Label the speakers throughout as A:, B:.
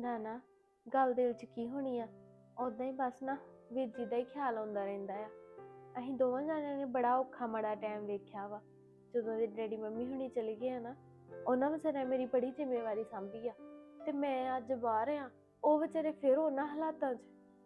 A: ਨਾ ਨਾ ਗੱਲ ਦਿਲ 'ਚ ਕੀ ਹੋਣੀ ਆ। ਉਦਾਂ ਹੀ ਬਸ ਨਾ ਵੀਰ ਜੀ ਦਾ ਹੀ ਖਿਆਲ ਆਉਂਦਾ ਰਹਿੰਦਾ ਆ। ਅਸੀਂ ਦੋਵਾਂ ਜਾਣਿਆਂ ਨੇ ਬੜਾ ਔਖਾ ਮਾੜਾ ਟਾਈਮ ਵੇਖਿਆ ਵਾ। ਜਦੋਂ ਦੇ ਡੈਡੀ ਮੰਮੀ ਹੁਣੀ ਚਲੇ ਗਏ ਆ ਨਾ, ਉਹਨਾਂ ਵਿਚਾਰਿਆਂ ਮੇਰੀ ਬੜੀ ਜ਼ਿੰਮੇਵਾਰੀ ਸਾਂਭੀ ਆ, ਤੇ ਮੈਂ ਅੱਜ ਬਾਹਰ ਆ, ਉਹ ਵਿਚਾਰੇ ਫਿਰ ਉਹਨਾਂ ਹਾਲਾਤਾਂ 'ਚ।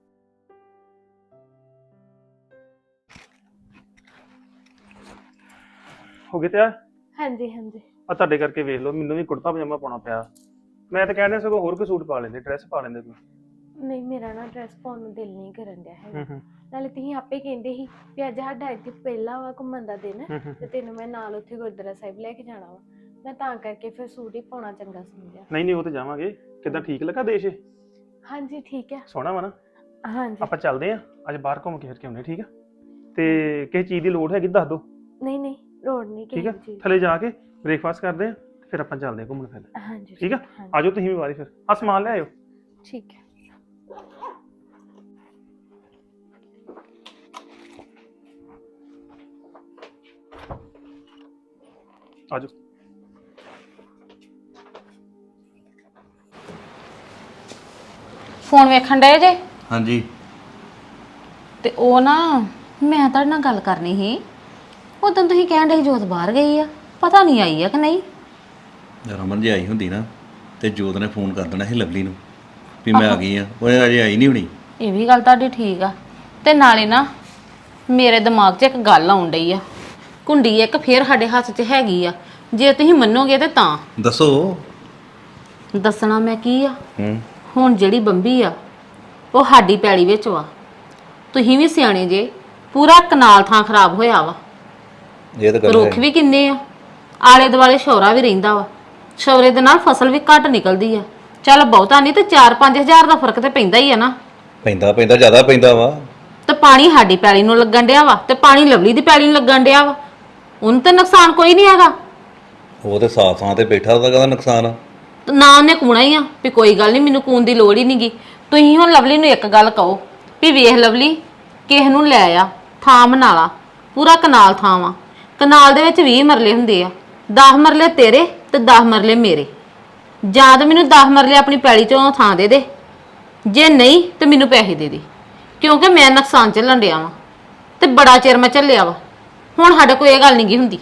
B: ਹੋ ਗਏ ਤਿਆਰ?
A: ਹਾਂਜੀ ਹਾਂਜੀ।
B: ਆ ਤੁਹਾਡੇ ਕਰਕੇ ਵੇਖ ਲਓ, ਮੈਨੂੰ ਵੀ ਕੁੜਤਾ ਪਜਾਮਾ ਪਾਉਣਾ ਪਿਆ। ਮੈਂ ਤਾਂ ਕਹਿੰਦਾ ਸਗੋਂ ਹੋਰ ਕੋਈ ਸੂਟ ਪਾ ਲੈਂਦੇ, ਡਰੈਸ ਪਾ ਲੈਂਦੇ ਕੋਈ।
A: ਨਹੀਂ, ਮੇਰਾ ਨਾ ਡਰੈਸ ਪਾਉਣ ਨੂੰ ਦਿਲ ਨਹੀਂ ਕਰਨ ਡਿਆ ਹੈਗਾ। ਨਾਲੇ ਤੁਸੀਂ ਆਪੇ ਕਹਿੰਦੇ ਸੀ ਵੀ ਅੱਜ ਸਾਡਾ ਇੱਥੇ ਪਹਿਲਾ ਵਾ ਘੁੰਮਣ ਦਾ ਦਿਨ, ਤੇ ਤੈਨੂੰ ਮੈਂ ਨਾਲ ਉੱਥੇ ਗੁਰਦੁਆਰਾ ਸਾਹਿਬ ਲੈ ਕੇ ਜਾਣਾ ਵਾ। ਮੈਂ ਤਾਂ ਕਰਕੇ ਫਿਰ ਸੂਟ ਹੀ ਪਾਉਣਾ ਚੰਗਾ ਸਮਝਿਆ।
B: ਨਹੀਂ ਉਹ ਤੇ ਜਾਵਾਂਗੇ। ਕਿੱਦਾਂ ਠੀਕ ਲੱਗਾ ਦੇਸ਼?
A: ਹਾਂਜੀ ਠੀਕ ਹੈ।
B: ਸੋਹਣਾ ਵਾ ਨਾ?
A: ਹਾਂਜੀ
B: ਆਪਾਂ ਚੱਲਦੇ ਆਂ ਅੱਜ ਬਾਹਰ ਘੁੰਮ ਕੇ ਫਿਰ ਕੇ ਆਉਂਦੇ, ਠੀਕ ਆ? ਤੇ ਕਿਸੇ ਚੀਜ਼ ਦੀ ਲੋੜ ਹੈਗੀ ਦੱਸ ਦਿਓ।
A: ਨਹੀਂ ਨਹੀਂ ਲੋੜ ਨਹੀਂ
B: ਠੀਕ ਆ,
A: ਕਿਸੇ ਚੀਜ਼।
B: ਥੱਲੇ ਜਾ ਕੇ ਬ੍ਰੇਕਫਾਸਟ ਕਰਦੇ ਆਂ, ਫਿਰ ਆਪਾਂ ਚੱਲਦੇ ਆਂ ਘੁੰਮਣ ਫਿਰ।
A: ਹਾਂਜੀ
B: ਠੀਕ ਆ, ਆਜੋ ਤੁਸੀਂ ਵੀ ਵਾਰੀ ਫਿਰ। ਆ ਸਮਾਨ ਲੈ ਆਇਓ।
A: ਠੀਕ ਹੈ।
B: ਆਜੋ।
C: ਫੋਨ ਵੇਖਣ ਡਏ ਜੇ?
D: ਹਾਂਜੀ।
C: ਤੇ ਉਹ ਨਾ ਮੈਂ ਤੁਹਾਡੇ ਨਾਲ ਗੱਲ ਕਰਨੀ ਸੀ। ਉਦੋਂ ਤੁਸੀਂ ਕਹਿਣ ਡਏ ਜੋਤ ਬਾਹਰ ਗਈ ਆ, ਪਤਾ ਨਹੀਂ ਆਈ ਆ ਕਿ ਨਹੀਂ।
D: ਰਮਨ ਜੀ ਆਈ ਹੁੰਦੀ ਨਾ ਤੇ ਜੋਤ ਨੇ ਫੋਨ ਕਰ ਦੇਣਾ ਸੀ ਲਵਲੀ ਨੂੰ ਵੀ ਮੈਂ ਆ ਗਈ ਆ, ਉਹ ਅਜੇ ਆਈ ਨਹੀਂ ਹੋਣੀ।
C: ਇਹ ਵੀ ਗੱਲ ਤੁਹਾਡੀ ਠੀਕ ਆ। ਤੇ ਨਾਲੇ ਨਾ ਮੇਰੇ ਦਿਮਾਗ 'ਚ ਇੱਕ ਗੱਲ ਆਉਣ ਡਈ ਆ। ਕੁੰਡੀ ਇੱਕ ਫੇਰ ਸਾਡੇ ਹੱਥ 'ਚ ਹੈਗੀ ਆ, ਜੇ ਤੁਸੀਂ ਮੰਨੋਗੇ ਤੇ ਤਾਂ।
D: ਦੱਸੋ।
C: ਦੱਸਣਾ ਮੈਂ ਕੀ ਆ। ਹੁਣ ਜਿਹੜੀ ਬੰਬੀ ਆ ਉਹ ਸਾਡੀ ਪੈਲੀ ਵਿੱਚ ਵਾ। ਤੁਸੀਂ ਵੀ ਸਿਆਣੇ ਜੇ, ਪੂਰਾ ਕਨਾਲ ਥਾਂ ਖਰਾਬ ਹੋਇਆ ਵਾ।
D: ਇਹ ਤਾਂ ਗੱਲ
C: ਰੁੱਖ ਵੀ ਕਿੰਨੇ ਆ, ਆਲੇ ਦੁਆਲੇ ਸ਼ੌਰਾ ਵੀ ਰਹਿੰਦਾ ਵਾ। ਸ਼ੌਰੇ ਦੇ ਨਾਲ ਫਸਲ ਵੀ ਘੱਟ ਨਿਕਲਦੀ ਆ। ਚੱਲ ਬਹੁਤਾ ਨਹੀਂ ਤੇ 4-5 ਹਜ਼ਾਰ ਦਾ ਫਰਕ ਤੇ ਪੈਂਦਾ ਹੀ ਆ ਨਾ।
D: ਪੈਂਦਾ ਜ਼ਿਆਦਾ ਪੈਂਦਾ ਵਾ।
C: ਤੇ ਪਾਣੀ ਸਾਡੀ ਪੈਲੀ ਨੂੰ ਲੱਗਣ ਡਿਆ ਵਾ ਤੇ ਪਾਣੀ ਲਵਲੀ ਦੀ ਪੈਲੀ ਨੂੰ ਲੱਗਣ ਡਿਆ ਵਾ। ਉਹਨੂੰ ਤੇ ਨੁਕਸਾਨ ਕੋਈ ਨਹੀਂ ਹੈਗਾ।
D: ਉਹ ਤੇ ਸਾਫ ਥਾਂ ਤੇ ਬੈਠਾ, ਉਹਦਾ ਕਾਹਦਾ ਨੁਕਸਾਨ ਆ?
C: ਨਾ ਉਹਨੇ ਕੂਣਾ ਹੀ ਆ ਵੀ ਕੋਈ ਗੱਲ ਨਹੀਂ, ਮੈਨੂੰ ਕੂਣ ਦੀ ਲੋੜ ਹੀ ਨਹੀਂਗੀ। ਤੁਸੀਂ ਹੁਣ ਲਵਲੀ ਨੂੰ ਇੱਕ ਗੱਲ ਕਹੋ ਵੀ ਵੇਖ ਲਵਲੀ, ਕਿਸੇ ਨੂੰ ਲੈ ਆ ਥਾਂ ਬਣਾ ਲਾ, ਪੂਰਾ ਕਨਾਲ ਥਾਂ ਵਾ। ਕਨਾਲ ਦੇ ਵਿੱਚ 20 ਮਰਲੇ ਹੁੰਦੇ ਆ, 10 ਮਰਲੇ ਤੇਰੇ ਤੇ 10 ਮਰਲੇ ਮੇਰੇ। ਜਾਂ ਤਾਂ ਮੈਨੂੰ 10 ਮਰਲੇ ਆਪਣੀ ਪੈਲੀ ਚੋਂ ਥਾਂ ਦੇ ਦੇ, ਜੇ ਨਹੀਂ ਤੇ ਮੈਨੂੰ ਪੈਸੇ ਦੇ ਦੇ, ਕਿਉਂਕਿ ਮੈਂ ਨੁਕਸਾਨ ਝੱਲਣ ਡਿਆ ਵਾਂ ਤੇ ਬੜਾ ਚਿਰ ਮੈਂ ਝੱਲਿਆ ਵਾ। ਹੁਣ ਸਾਡੇ ਕੋਈ ਇਹ ਗੱਲ ਨਹੀਂ ਗੀ ਹੁੰਦੀ।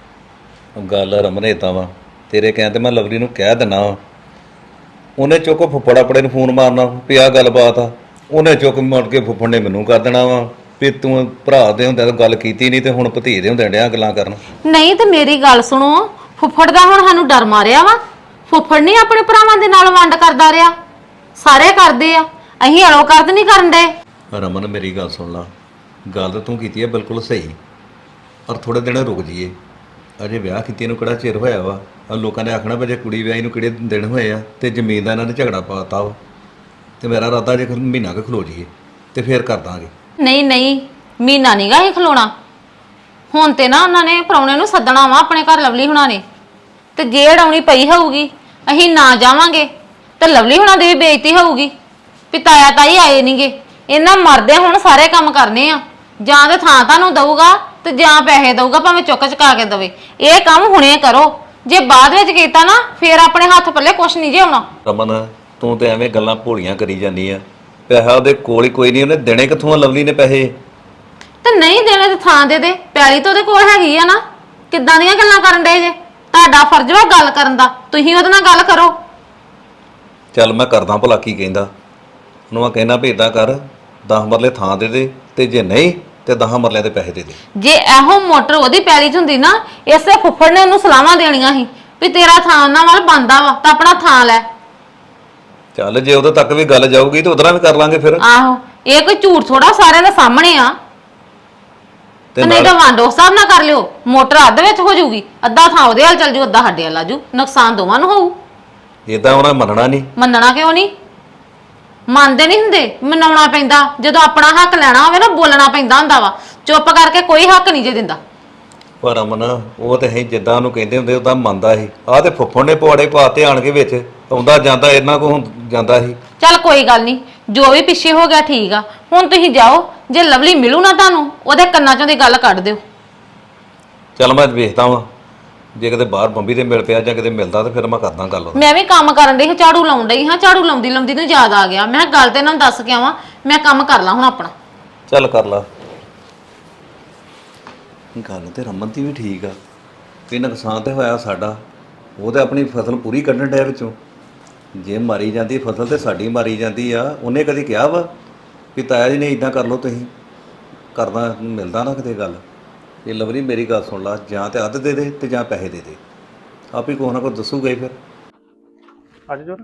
D: ਗੱਲ ਰਮਨ ਏਦਾਂ ਵਾ, ਤੇਰੇ ਕਹਿਣ ਤੇ ਮੈਂ ਲਵਲੀ ਨੂੰ ਕਹਿ ਦਿੰਦਾ ਵਾ। ਉਹਨੇ ਚੁੱਕ ਫੁੱਫੜ ਆਪਣੇ ਨੂੰ ਫੋਨ ਮਾਰਨਾ ਵੀ ਆਹ ਗੱਲਬਾਤ ਆ, ਉਹਨੇ ਚੁੱਕ ਮੁੜ ਕੇ ਫੁੱਫੜ ਨੇ ਮੈਨੂੰ ਕਰ ਦੇਣਾ ਵਾ ਵੀ ਤੂੰ ਭਰਾ ਦੇ ਹੁੰਦਿਆਂ ਤਾਂ ਗੱਲ ਕੀਤੀ ਨਹੀਂ ਤੇ ਹੁਣ ਭਤੀ ਦੇ ਹੁੰਦਿਆਂ ਡਿਆ ਗੱਲਾਂ ਕਰਨ। ਨਹੀਂ
C: ਤੇ ਮੇਰੀ ਗੱਲ ਸੁਣੋ, ਫੁੱਫੜ ਦਾ ਹੁਣ ਸਾਨੂੰ ਡਰ ਮਾਰਿਆ ਵਾ। ਫੁੱਫੜ ਨਹੀਂ ਆਪਣੇ ਭਰਾਵਾਂ ਦੇ ਨਾਲ ਵੰਡ ਕਰਦਾ ਰਿਹਾ, ਸਾਰੇ ਕਰਦੇ ਆ, ਅਸੀਂ ਅਲੋ ਕਰਦ ਨਹੀਂ ਕਰਨ ਡਏ।
D: ਰਮਨ ਮੇਰੀ ਗੱਲ ਸੁਣ ਲਾ, ਗੱਲ ਤਾਂ ਤੂੰ ਕੀਤੀ ਹੈ ਬਿਲਕੁਲ ਸਹੀ, ਪਰ ਥੋੜੇ ਦਿਨ ਰੁਕ ਜਾਈਏ। ਅਜੇ ਵਿਆਹ ਕੀਤੇ ਨੂੰ ਕਿਹੜਾ ਚਿਰ ਹੋਇਆ ਵਾ। ਲੋਕਾਂ ਨੇ ਆਖਣਾ ਵੀ ਜੇ ਕੁੜੀ ਵਿਆਹੀ ਨੂੰ ਕਿਹੜੇ ਦਿਨ ਹੋਏ ਆ, ਤੇ ਜ਼ਮੀਨ ਦਾ ਇਹਨਾਂ ਨੇ ਝਗੜਾ ਪਾਤਾ ਵਾ। ਤੇ ਮੇਰਾ ਇਰਾਦਾ ਜੇ ਮਹੀਨਾ ਕੁ ਖਲੋ ਜਾਈਏ ਤੇ ਫੇਰ ਕਰ ਦਾਂਗੇ।
C: ਨਹੀਂ ਮਹੀਨਾ ਨੀ ਗਾ ਇਹ ਖਲੋਣਾ। ਹੁਣ ਤੇ ਨਾ ਉਹਨਾਂ ਨੇ ਪ੍ਰਾਹੁਣੇ ਨੂੰ ਸੱਦਣਾ ਵਾ ਆਪਣੇ ਘਰ ਲਵਲੀ ਹੁਣਾਂ ਨੇ, ਤੇ ਜੇ ਅੜਾਉਣੀ ਪਈ ਹੋਊਗੀ ਅਸੀਂ ਨਾ ਜਾਵਾਂਗੇ ਤੇ ਲਵਲੀ ਹੁਣਾਂ ਦੀ ਵੀ ਬੇਇੱਜ਼ਤੀ ਹੋਊਗੀ ਵੀ ਤਾਇਆ ਤਾਈ ਆਏ ਨਹੀਂਗੇ। ਇਹਨਾਂ ਮਰਦੇ ਹੁਣ ਸਾਰੇ ਕੰਮ ਕਰਨੇ ਆ, ਜਾਂ ਤੇ ਥਾਂ ਤੁਹਾਨੂੰ ਦਊਗਾ ਤੇ ਜਾਂ ਪੈਸੇ ਦਊਗਾ, ਭਾਵੇਂ ਚੁੱਕ ਚੁਕਾ ਕੇ ਦਵੇ। ਇਹ ਕੰਮ ਹੁਣੇ ਕਰੋ, ਜੇ ਬਾਅਦ ਵਿੱਚ ਕੀਤਾ ਨਾ ਫੇਰ ਆਪਣੇ ਹੱਥ ਪੱਲੇ ਕੁਛ ਨਹੀਂ ਜੇ ਆਉਣਾ।
D: ਰਮਨ ਤੂੰ ਤੇ ਐਵੇਂ ਗੱਲਾਂ ਭੋਲੀਆਂ ਕਰੀ ਜਾਂਦੀ ਆ। ਪੈਸਾ ਉਹਦੇ ਕੋਲ ਹੀ ਕੋਈ ਨਹੀਂ, ਉਹਨੇ ਦੇਣੇ ਕਿੱਥੋਂ ਆ ਲਵਲੀ ਨੇ ਪੈਸੇ?
C: ਤੇ ਨਹੀਂ ਦੇਣੇ ਤੇ ਥਾਂ ਦੇ ਦੇ, ਪੈਲੀ ਤਾਂ ਉਹਦੇ ਕੋਲ ਹੈਗੀ ਆ ਨਾ। ਕਿੱਦਾਂ ਦੀਆਂ ਗੱਲਾਂ ਕਰਨ ਡਏ ਜੇ? ਤੁਹਾਡਾ ਫਰਜ਼ ਵਾ ਗੱਲ ਕਰਨ ਦਾ, ਤੁਸੀਂ ਉਹਦੇ ਨਾਲ ਗੱਲ ਕਰੋ।
D: ਚੱਲ ਮੈਂ ਕਰਦਾ ਭਲਾ ਕੀ ਕਹਿੰਦਾ। ਉਹਨੂੰ ਮੈਂ ਕਹਿਣਾ ਵੀ ਏਦਾਂ ਕਰ, 10 ਮਰਲੇ ਥਾਂ ਦੇ ਦੇ, ਤੇ ਜੇ ਨਹੀਂ ਤੇ 10 ਮਰਲਿਆਂ ਦੇ ਪੈਸੇ ਦੇ ਦੇ।
C: ਜੇ ਇਹੋ ਮੋਟਰ ਉਹਦੀ ਪੈਲੀ 'ਚ ਹੁੰਦੀ ਨਾ, ਇਸੇ ਫੁੱਫੜ ਨੇ ਉਹਨੂੰ ਸਲਾਹਾਂ ਦੇਣੀਆਂ ਸੀ ਵੀ ਤੇਰਾ ਥਾਂ ਉਹਨਾਂ ਵੱਲ ਬੰਦਾ ਵਾ ਤਾਂ ਆਪਣਾ ਥਾਂ ਲੈ।
D: ਚੱਲ ਜੇ ਉਦੋਂ ਤੱਕ ਵੀ ਗੱਲ ਜਾਊਗੀ ਤੇ ਉਧਰਾਂ ਵੀ ਕਰ ਲਾਂਗੇ ਫਿਰ।
C: ਆਹੋ, ਇਹ ਕੋਈ ਝੂਠ ਥੋੜਾ ਸਾਰਿਆਂ ਦੇ ਸਾਹਮਣੇ ਆ। ਤੇ ਨਹੀਂ ਤਾਂ ਵਾਂਡੋ ਹਿਸਾਬ ਨਾ ਕਰ ਲਿਓ, ਮੋਟਰ ਅੱਧ ਵਿੱਚ ਹੋ ਜਾਊਗੀ, ਅੱਧਾ ਥਾਂ ਉਹਦੇ ਵੱਲ ਚੱਲ ਜੂ, ਅੱਧਾ ਸਾਡੇ ਵੱਲ ਆ ਜੂ, ਨੁਕਸਾਨ ਦੋਵਾਂ ਨੂੰ ਹੋਊ।
D: ਏਦਾਂ ਉਹਨਾਂ ਮੰਨਣਾ ਨਹੀਂ।
C: ਮੰਨਣਾ ਕਿਉਂ ਨਹੀਂ? ਮੰਨਦੇ ਨਹੀਂ ਹੁੰਦੇ, ਮਨਾਉਣਾ ਪੈਂਦਾ। ਜਦੋਂ ਆਪਣਾ ਹੱਕ ਲੈਣਾ ਹੋਵੇ ਨਾ, ਬੋਲਣਾ ਪੈਂਦਾ ਹੁੰਦਾ ਵਾ। ਚੁੱਪ ਕਰਕੇ ਕੋਈ ਹੱਕ ਨਹੀਂ ਜੇ ਦਿੰਦਾ।
D: ਪਰ ਅਮਨ ਉਹ ਤੇ ਹੈ ਜਿੱਦਾਂ ਉਹਨੂੰ ਕਹਿੰਦੇ ਹੁੰਦੇ ਉਦਾਂ ਮੰਨਦਾ ਸੀ। ਆਹ ਤੇ ਫੁੱਫੜ ਨੇ ਪਵਾੜੇ ਪਾਤੇ ਆਣ ਕੇ ਵਿੱਚ, ਆਉਂਦਾ ਜਾਂਦਾ ਇਹਨਾਂ ਕੋ ਜਾਂਦਾ ਸੀ। ਚੱਲ
C: ਕੋਈ ਗੱਲ ਨਹੀਂ, ਜੋ ਵੀ ਪਿੱਛੇ ਹੋ ਗਿਆ ਠੀਕ ਆ। ਹੁਣ ਤੁਸੀਂ ਜਾਓ, ਜੇ ਲਵਲੀ ਮਿਲੂ ਨਾ ਤੁਹਾਨੂੰ, ਉਹਦੇ ਕੰਨਾਂ ਚੋਂ ਦੀ ਗੱਲ ਕੱਢ ਦਿਓ।
D: ਚੱਲ ਮੈਂ ਵੇਖਦਾ ਵਾਂ ਜੇ ਕਿਤੇ ਬਾਹਰ ਬੰਬੀ ਤੇ ਮਿਲ ਪਿਆ ਜਾਂ ਕਿਤੇ ਮਿਲਦਾ ਤਾਂ ਫਿਰ ਮੈਂ ਕਰਦਾ ਗੱਲ ਉਹਦੇ ਨਾਲ।
C: ਮੈਂ ਵੀ ਕੰਮ ਕਰਨ ਡਈ ਹਾਂ, ਝਾੜੂ ਲਾਉਣ ਡਈ ਹਾਂ, ਝਾੜੂ ਲਾਉਂਦੀ ਲਾਉਂਦੀ ਨੂੰ ਯਾਦ ਆ ਗਿਆ, ਮੈਂ ਕਿਹਾ ਗੱਲ ਤੇ ਇਹਨਾਂ ਨੂੰ ਦੱਸ ਕੇ ਆਵਾਂ, ਮੈਂ ਕੰਮ ਕਰ ਲਾਂ ਹੁਣ ਆਪਣਾ।
D: ਚੱਲ ਕਰ ਲਾ। ਗੱਲ ਤੇ ਰਮਨ ਦੀ ਵੀ ਠੀਕ ਆ ਕਿ ਨੁਕਸਾਨ ਤੇ ਹੋਇਆ ਸਾਡਾ, ਉਹ ਤੇ ਆਪਣੀ ਫਸਲ ਪੂਰੀ ਕੱਢਣ ਡਿਆ ਵਿੱਚੋਂ। ਜੇ ਮਾਰੀ ਜਾਂਦੀ ਫਸਲ ਤੇ ਸਾਡੀ ਮਾਰੀ ਜਾਂਦੀ ਆ। ਉਹਨੇ ਕਦੀ ਕਿਹਾ ਵਾ ਵੀ ਤਾਇਆ ਜੀ ਨੇ ਇਦਾਂ ਕਰ ਲਓ, ਤੁਸੀਂ ਕਰਦਾ ਮਿਲਦਾ ਨਾ ਕਿਤੇ ਗੱਲ। ਇਹ ਲਵਲੀ ਮੇਰੀ ਗੱਲ ਸੁਣ ਲਾ, ਜਾਂ ਤੇ ਅੱਧ ਦੇ ਦੇ ਤੇ ਜਾਂ ਪੈਸੇ ਦੇ ਦੇ, ਆਪ ਹੀ ਕੁਛ ਨਾ ਕੁਛ ਦੱਸੂਗਾ ਹੀ ਫਿਰ।
B: ਅੱਜ ਜੋਰ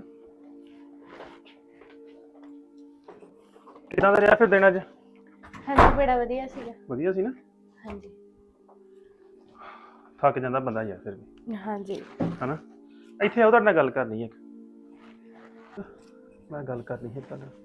B: ਕਿਹਨਾਂ ਦਾ ਰਿਹਾ ਫਿਰ ਦਿਨ ਅੱਜ?
A: ਹਾਂਜੀ ਬੜਾ ਵਧੀਆ ਸੀਗਾ।
B: ਵਧੀਆ ਸੀ ਨਾ?
A: ਹਾਂਜੀ
B: ਥੱਕ ਜਾਂਦਾ ਬੰਦਾ ਯਾਰ ਫਿਰ ਵੀ,
A: ਹਾਂਜੀ
B: ਹਨਾ। ਇੱਥੇ ਆਓ, ਤੁਹਾਡੇ ਨਾਲ ਗੱਲ ਕਰਨੀ ਹੈ ਇੱਕ। ਮੈਂ ਗੱਲ ਕਰਨੀ ਹੈ ਤੁਹਾਡੇ ਨਾਲ।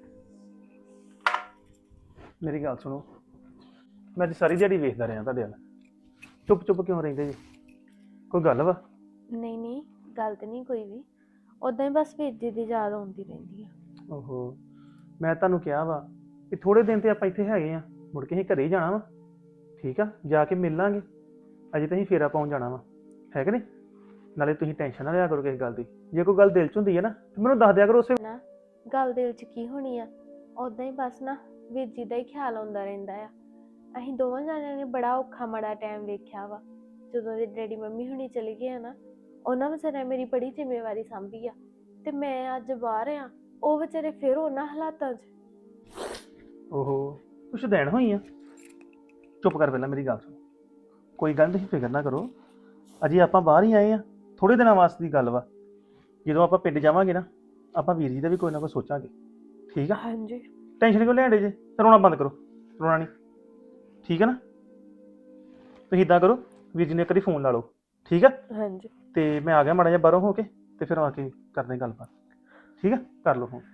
B: ਮੇਰੀ ਗੱਲ ਸੁਣੋ, ਮੈਂ ਅੱਜ ਸਾਰੀ ਦਿਹਾੜੀ ਵੇਖਦਾ ਰਿਹਾ ਤੁਹਾਡੇ ਵੱਲ, ਚੁੱਪ ਚੁੱਪ ਕਿਉਂ ਰਹਿੰਦੇ ਜੀ? ਕੋਈ ਗੱਲ ਵਾ?
A: ਨਹੀਂ ਨਹੀਂ ਗੱਲ ਤੇ ਨਹੀਂ ਕੋਈ ਵੀ, ਉਦਾਂ ਹੀ ਬਸ ਵੀਰ ਜੀ ਦੀ ਯਾਦ ਆਉਂਦੀ ਰਹਿੰਦੀ ਆ।
B: ਓਹੋ, ਮੈਂ ਤੁਹਾਨੂੰ ਕਿਹਾ ਵਾ ਕਿ ਥੋੜੇ ਦਿਨ ਤੇ ਆਪਾਂ ਇੱਥੇ ਹੈਗੇ ਆ, ਮੁੜ ਕੇ ਅਸੀਂ ਘਰੇ ਹੀ ਜਾਣਾ ਵਾ। ਠੀਕ ਆ, ਜਾ ਕੇ ਮਿਲ ਲਾਂਗੇ। ਅਜੇ ਤਾਂ ਅਸੀਂ ਫੇਰਾ ਪਾਉਣ ਜਾਣਾ ਵਾ, ਹੈ ਕਿ ਨਹੀਂ? ਨਾਲੇ ਤੁਸੀਂ ਟੈਨਸ਼ਨ ਨਾ ਲਿਆ ਕਰੋ ਕਿਸੇ ਗੱਲ ਦੀ। ਜੇ ਕੋਈ ਗੱਲ ਦਿਲ 'ਚ ਹੁੰਦੀ ਹੈ ਨਾ ਤਾਂ ਮੈਨੂੰ ਦੱਸ ਦਿਆ ਕਰੋ ਉਸੇ।
A: ਨਾ ਗੱਲ ਦਿਲ 'ਚ ਕੀ ਹੋਣੀ ਆ, ਉਦਾਂ ਹੀ ਬਸ ਨਾ ਵੀਰ ਜੀ ਦਾ ਹੀ ਖਿਆਲ ਆਉਂਦਾ ਰਹਿੰਦਾ ਆ। ਅਸੀਂ ਦੋਵਾਂ ਜਾਣਿਆਂ ਨੇ ਬੜਾ ਔਖਾ ਮਾੜਾ ਟਾਈਮ ਵੇਖਿਆ ਵਾ। ਜਦੋਂ ਦੇ ਡੈਡੀ ਮੰਮੀ ਹੁਣੀ ਚਲੇ ਗਏ ਆ ਨਾ, ਉਹਨਾਂ ਵਿਚਾਰਿਆਂ ਮੇਰੀ ਬੜੀ ਜ਼ਿੰਮੇਵਾਰੀ ਸਾਂਭੀ ਆ, ਤੇ ਮੈਂ ਅੱਜ ਬਾਹਰ ਆ, ਉਹ ਵਿਚਾਰੇ ਫਿਰ ਉਹਨਾਂ ਹਾਲਾਤਾਂ 'ਚ।
B: ਓਹੋ, ਕੁਛ ਦੇਣ ਹੋਈ ਆ? ਚੁੱਪ ਕਰ, ਪਹਿਲਾਂ ਮੇਰੀ ਗੱਲ ਸੁਣ। ਕੋਈ ਗੱਲ ਨਹੀਂ, ਫਿਕਰ ਨਾ ਕਰੋ। ਅਜੇ ਆਪਾਂ ਬਾਹਰ ਹੀ ਆਏ ਆ, ਥੋੜੇ ਦਿਨਾਂ ਵਾਸਤੇ ਦੀ ਗੱਲ ਵਾ। ਜਦੋਂ ਆਪਾਂ ਪਿੰਡ ਜਾਵਾਂਗੇ ਨਾ, ਆਪਾਂ ਵੀਰ ਜੀ ਦਾ ਵੀ ਕੋਈ ਨਾ ਕੋਈ ਸੋਚਾਂਗੇ। ਠੀਕ ਆ?
A: ਹਾਂਜੀ
B: ਟੈਨਸ਼ਨ ਕਿਉਂ ਲੈਣ ਡੇ ਜੇ? ਰੋਣਾ ਬੰਦ ਕਰੋ, ਰੋਣਾ ਨਹੀਂ। ਠੀਕ ਆ ਨਾ? ਤੁਸੀਂ ਇੱਦਾਂ ਕਰੋ, ਵੀਰ ਜੀ ਨੇ ਇੱਕ ਵਾਰੀ ਫੋਨ ਲਾ ਲਓ। ਠੀਕ ਆ?
A: ਹਾਂਜੀ
B: ਤੇ ਮੈਂ ਆ ਗਿਆ ਮਾੜਾ ਜਿਹਾ ਬਾਹਰੋਂ ਹੋ ਕੇ, ਤੇ ਫਿਰ ਆ ਕੇ ਕਰਦੇ ਹਾਂ ਗੱਲਬਾਤ। ਠੀਕ ਆ, ਕਰ ਲਓ ਫੋਨ।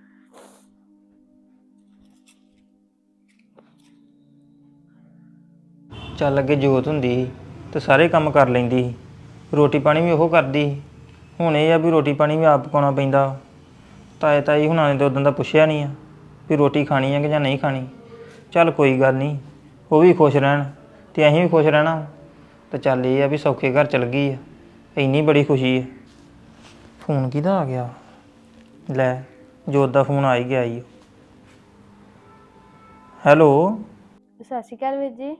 E: ਚੱਲ ਅੱਗੇ ਜੋਤ ਹੁੰਦੀ ਸੀ ਤੇ ਸਾਰੇ ਕੰਮ ਕਰ ਲੈਂਦੀ ਸੀ, ਰੋਟੀ ਪਾਣੀ ਵੀ ਉਹ ਕਰਦੀ ਸੀ। ਹੁਣ ਇਹ ਆ ਵੀ ਰੋਟੀ ਪਾਣੀ ਵੀ ਆਪ ਪਕਾਉਣਾ ਪੈਂਦਾ। ਤਾਏ ਤਾਈ ਹੁਣਾਂ ਨੇ ਤਾਂ ਉਦੋਂ ਦਾ ਪੁੱਛਿਆ ਨਹੀਂ ਆ ਵੀ ਰੋਟੀ ਖਾਣੀ ਹੈ ਕਿ ਜਾਂ ਨਹੀਂ ਖਾਣੀ। ਚੱਲ ਕੋਈ ਗੱਲ ਨਹੀਂ, ਉਹ ਵੀ ਖੁਸ਼ ਰਹਿਣ ਤੇ ਅਸੀਂ ਵੀ ਖੁਸ਼ ਰਹਿਣਾ। ਤੇ ਚੱਲ ਇਹ ਆ ਵੀ ਸੌਖੇ ਘਰ ਚਲ ਗਈ ਆ, ਇੰਨੀ ਬੜੀ ਖੁਸ਼ੀ ਹੈ। ਫੋਨ ਕਿਹਦਾ ਆ ਗਿਆ? ਲੈ, ਜੋਤ ਦਾ ਫੋਨ ਆ ਹੀ ਗਿਆ ਈ। ਹੈਲੋ,
A: ਸਤਿ ਸ਼੍ਰੀ ਅਕਾਲ ਵੀਰ ਜੀ।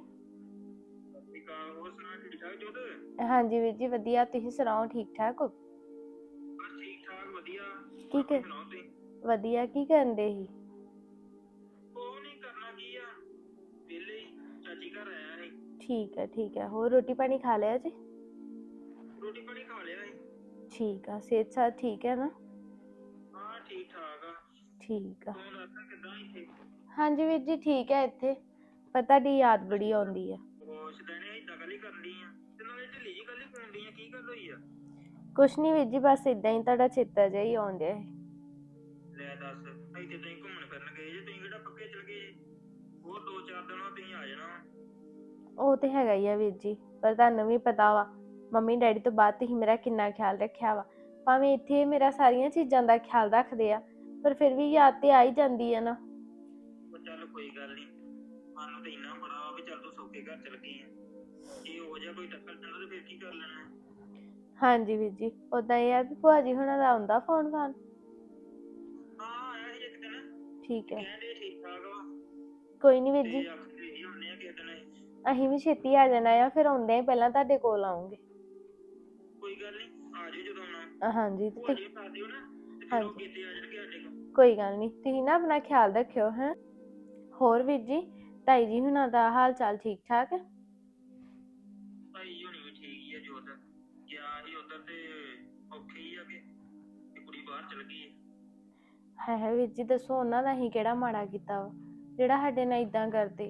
A: ਹਾਂਜੀ ਵੀਰ ਜੀ ਵਧੀਆ, ਤੁਸੀਂ ਸੁਣਾਓ ਠੀਕ ਠਾਕ ਹੋ?
B: ਠੀਕ ਠਾਕ, ਵਧੀਆ।
A: ਕੀ ਕਰ ਵਧੀਆ, ਕੀ ਕਰਨ ਦੇ ਸੀ?
B: ਉਹ ਨਹੀਂ ਕਰਨਾ ਕੀ ਆ, ਵਿਹਲੇ ਹੀ, ਚਾਚੀ ਘਰ ਆਇਆ ਸੀ।
A: ਠੀਕ ਹੈ, ਹੋਰ ਰੋਟੀ ਪਾਣੀ ਖਾ ਲਿਆ ਜੀ?
B: ਰੋਟੀ ਪਾਣੀ ਖਾ ਲਿਆ ਸੀ।
A: ਠੀਕ ਆ, ਸਿਹਤ ਸਾਥ ਠੀਕ ਹੈ ਨਾ?
B: ਹਾਂ ਠੀਕ ਠਾਕ ਆ।
A: ਠੀਕ ਆ।
B: ਤੂੰ ਦੱਸ ਕਿੱਦਾਂ ਇੱਥੇ?
A: ਹਾਂਜੀ ਵੀਰ ਜੀ ਠੀਕ ਹੈ ਇੱਥੇ, ਪਰ ਤੁਹਾਡੀ ਯਾਦ ਬੜੀ ਆਉਂਦੀ ਆ।
B: ਖੁਸ਼ ਦੇਣੇ ਏਦਾਂ ਗੱਲ ਹੀ ਕਰਨੀ ਆ, ਤੇ ਨਾਲੇ ਢਿੱਲੀ ਜੀ ਗੱਲ ਹੀ ਪਾਉਂਦੀ ਆ, ਕੀ ਗੱਲ ਹੋਈ ਆ?
A: ਕੁਛ ਨਹੀਂ ਵੀਰ ਜੀ, ਬਸ ਇਦਾਂ ਹੀ ਤੁਹਾਡਾ ਚੇਤਾ ਜਿਹਾ ਹੀ ਆਉਣ ਡਿਆ ਸੀ।
B: ਲੈ ਦੱਸ, ਇੱਥੇ ਤੁਸੀਂ ਘੁੰਮਣ ਫਿਰਨ ਗਏ ਜੇ? ਤੁਸੀਂ ਕਿਹੜਾ ਪੱਕੇ ਚਲ ਗਏ? ਹੋਰ 2-4 ਦਿਨਾਂ ਤੁਸੀਂ ਆ ਜਾਣਾ।
A: ਉਹ ਤੇ ਹੈਗਾ ਹੀ ਆ ਵੀਰ ਜੀ, ਪਰ ਤੁਹਾਨੂੰ ਵੀ ਪਤਾ ਵਾ ਮੰਮੀ ਡੈਡੀ ਤੋਂ ਬਾਅਦ ਤੁਸੀਂ ਮੇਰਾ ਕਿੰਨਾ ਖਿਆਲ ਰੱਖਿਆ ਵਾ। ਭਾਵੇਂ ਇੱਥੇ ਮੇਰਾ ਸਾਰੀਆਂ ਚੀਜ਼ਾਂ ਦਾ ਖਿਆਲ ਰੱਖਦੇ ਆ, ਪਰ ਫਿਰ ਵੀ ਯਾਦ ਤੇ ਆ ਹੀ ਜਾਂਦੀ ਆ ਨਾ।
B: ਉਹ ਚੱਲ ਕੋਈ ਗੱਲ ਨਹੀਂ, ਸਾਨੂੰ ਤੇ ਇੰਨਾ ਬੜਾ ਵਾ ਵੀ ਚੱਲ ਤੂੰ ਸੌਖੇ ਘਰ ਚਲ ਗਈ ਆ। ਜੇ ਹੋ ਜਾ ਕੋਈ ਟੱਕਰ ਪੈਂਦਾ ਤੇ ਫਿਰ ਕੀ ਕਰ ਲੈਣਾ?
A: ਹਾਂਜੀ ਵੀਰ ਜੀ, ਉਦਾਂ ਇਹ ਆ ਵੀ ਭੂਆ ਜੀ ਹੁਣਾਂ ਦਾ ਆਉਂਦਾ ਫੋਨ ਫਾਨ?
B: ਹਾਂ ਆਇਆ ਸੀ ਇੱਕ ਦਿਨ,
A: ਠੀਕ ਹੈ,
B: ਕਹਿੰਦੇ ਠੀਕ ਠਾਕ ਵਾ
A: ਕੋਈ ਨਹੀਂ ਵੀਰ
B: ਤੇ
A: ਜੀ,
B: ਆਖਦੇ ਹੀ ਹੁੰਦੇ ਆ ਕਿਸੇ ਦਿਨ।
A: ਅਸੀਂ ਵੀ ਛੇਤੀ ਆ ਜਾਣਾ ਆ, ਫਿਰ ਆਉਂਦੇ ਆ ਪਹਿਲਾਂ ਤੁਹਾਡੇ ਕੋਲ ਆਉਂਗੇ।
B: ਕੋਈ ਗੱਲ ਨਹੀਂ, ਆ ਜਾਓ ਜਦੋਂ ਆਉਣਾ।
A: ਹਾਂਜੀ
B: ਭੂਆ ਜੀ ਕਰ ਦਿਓ ਨਾ, ਤੇ ਫਿਰ ਉਹ ਕੀਤੇ ਆ ਜਾਣਗੇ ਸਾਡੇ ਕੋਲ।
A: ਕੋਈ ਗੱਲ ਨਹੀਂ, ਤੁਸੀਂ ਨਾ ਆਪਣਾ ਖਿਆਲ ਰੱਖਿਓ ਹੈ। ਹੋਰ ਵੀਰ ਜੀ, ਤਾਈ ਜੀ ਹੁਣਾਂ ਦਾ ਹਾਲ ਚਾਲ ਠੀਕ ਠਾਕ ਹੈ?
B: ਭਾਈ ਜੀ ਹੋਣੀ ਵੀ ਠੀਕ ਹੀ ਆ। ਜੋਤ ਗਿਆ ਸੀ ਉਧਰ ਤੇ ਔਖੇ ਹੀ ਆ ਕਿ ਕੁੜੀ ਬਾਹਰ ਚਲ ਗਈ
A: ਹੈ ਵੀਰ ਜੀ, ਦੱਸੋ ਉਹਨਾਂ ਦਾ ਅਸੀਂ ਕਿਹੜਾ ਮਾੜਾ ਕੀਤਾ ਵਾ ਜਿਹੜਾ ਸਾਡੇ ਨਾਲ ਇਦਾਂ ਕਰਦੇ?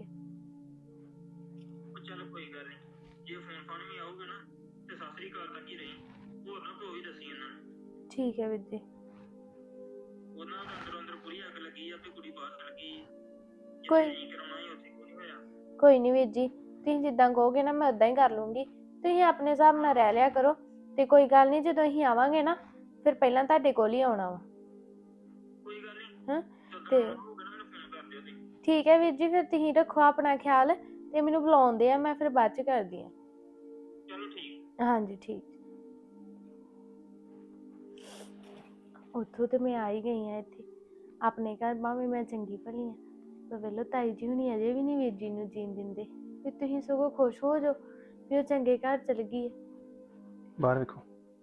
B: ਉਹ ਚੱਲ ਕੋਈ ਗੱਲ ਨਹੀਂ, ਜੇ ਫੋਨ ਫਾਨ ਵੀ ਆਊਗਾ ਨਾ ਤੇ ਸਤਿ ਸ੍ਰੀ ਅਕਾਲ ਤੱਕ ਹੀ ਰਹੀ, ਹੋਰ ਨਾ ਕੋਈ ਦੱਸੀ ਉਹਨਾਂ ਨੂੰ।
A: ਠੀਕ ਹੈ ਵੀਰ ਜੀ।
B: ਉਹਨਾਂ ਦਾ ਅੰਦਰੋਂ ਅੰਦਰ ਪੂਰੀ ਅੱਗ ਲੱਗੀ ਆ ਵੀ ਕੁੜੀ ਬਾਹਰ ਚਲ ਗਈ।
A: ਕੋਈ
B: ਨਹੀਂ ਕਰਾਉਣਾ ਹੀ ਉੱਥੇ ਕੋਈ ਨਹੀਂ ਹੋਇਆ।
A: ਕੋਈ ਨਹੀਂ ਵੀਰ ਜੀ, ਤੁਸੀਂ ਜਿੱਦਾਂ ਕਹੋਗੇ ਨਾ ਮੈਂ ਉਦਾਂ ਹੀ ਕਰ ਲੂੰਗੀ। ਤੁਸੀਂ ਆਪਣੇ ਹਿਸਾਬ ਨਾਲ ਰਹਿ ਲਿਆ ਕਰੋ, ਤੇ ਕੋਈ ਗੱਲ ਨਹੀਂ, ਜਦੋਂ ਅਸੀਂ ਆਵਾਂਗੇ ਨਾ ਫਿਰ ਪਹਿਲਾਂ ਤੁਹਾਡੇ ਕੋਲ ਹੀ ਆਉਣਾ ਵਾ।
B: ਕੋਈ ਗੱਲ ਨਹੀਂ,
A: ਹਾਂ
B: ਤੇ
A: ਤੇ
B: ਮੈਨੂੰ ਫੋਨ ਕਰ ਦਿਓ ਤੁਸੀਂ।
A: ਠੀਕ ਹੈ ਵੀਰ ਜੀ, ਫਿਰ ਤੁਸੀਂ ਰੱਖੋ ਆਪਣਾ ਖਿਆਲ, ਤੇ ਮੈਨੂੰ ਬੁਲਾਉਂਦੇ ਆ, ਮੈਂ ਫਿਰ ਬਾਅਦ ਚ ਕਰਦੀ ਹਾਂ।
B: ਚਲੋ ਠੀਕ।
A: ਹਾਂਜੀ ਠੀਕ। ਉੱਥੋਂ ਤੇ ਮੈਂ ਆ ਹੀ ਗਈ ਆ ਇੱਥੇ ਆਪਣੇ ਘਰ, ਭਾਵੇਂ ਮੈਂ ਚੰਗੀ ਭਲੀ ਆ, ਪਰ ਵੇਲੋ ਤਾਈ ਜੀ ਹੁਣੀ ਅਜੇ ਵੀ ਨਹੀਂ ਵੀਰ ਜੀ ਨੂੰ ਜੀਣ ਦਿੰਦੇ। ਵੀ ਤੁਸੀਂ ਸਗੋਂ ਖੁਸ਼ ਹੋ ਜਾਓ ਵੀ ਉਹ ਚੰਗੇ ਘਰ ਚਲ ਗਈ ਹੈ।
B: ਬਾਹਰ ਵੇਖੋ।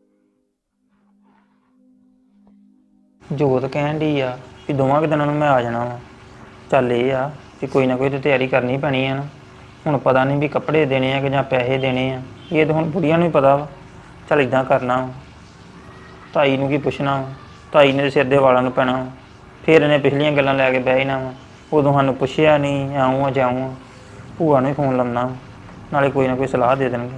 E: ਜੋਤ ਕਹਿਣ ਡਈ ਆ ਵੀ ਦੋਵਾਂ ਕੁ ਦਿਨਾਂ ਨੂੰ ਮੈਂ ਆ ਜਾਣਾ ਵਾ। ਚੱਲ ਇਹ ਆ ਕਿ ਕੋਈ ਨਾ ਕੋਈ ਤਾਂ ਤਿਆਰੀ ਕਰਨੀ ਪੈਣੀ ਆ ਨਾ। ਹੁਣ ਪਤਾ ਨਹੀਂ ਵੀ ਕੱਪੜੇ ਦੇਣੇ ਆ ਕਿ ਜਾਂ ਪੈਸੇ ਦੇਣੇ ਆ, ਇਹ ਤਾਂ ਹੁਣ ਬੁੜੀਆਂ ਨੂੰ ਹੀ ਪਤਾ ਵਾ। ਚੱਲ ਇਦਾਂ ਕਰਨਾ ਵਾ, ਤਾਈ ਨੂੰ ਕੀ ਪੁੱਛਣਾ ਵਾ, ਤਾਈ ਨੇ ਸਿਰ ਦੇ ਵਾਲਾਂ ਨੂੰ ਪੈਣਾ ਵਾ। ਫਿਰ ਇਹਨੇ ਪਿਛਲੀਆਂ ਗੱਲਾਂ ਲੈ ਕੇ ਬਹਿ ਜਾਣਾ ਵਾ, ਉਦੋਂ ਸਾਨੂੰ ਪੁੱਛਿਆ ਨਹੀਂ, ਆਊਂ ਆ ਜਾਊਂ ਆ। ਭੂਆ ਨੂੰ ਹੀ ਫੋਨ ਲਾਉਣਾ ਵਾ, ਨਾਲੇ ਕੋਈ ਨਾ ਕੋਈ ਸਲਾਹ ਦੇ ਦੇਣਗੇ।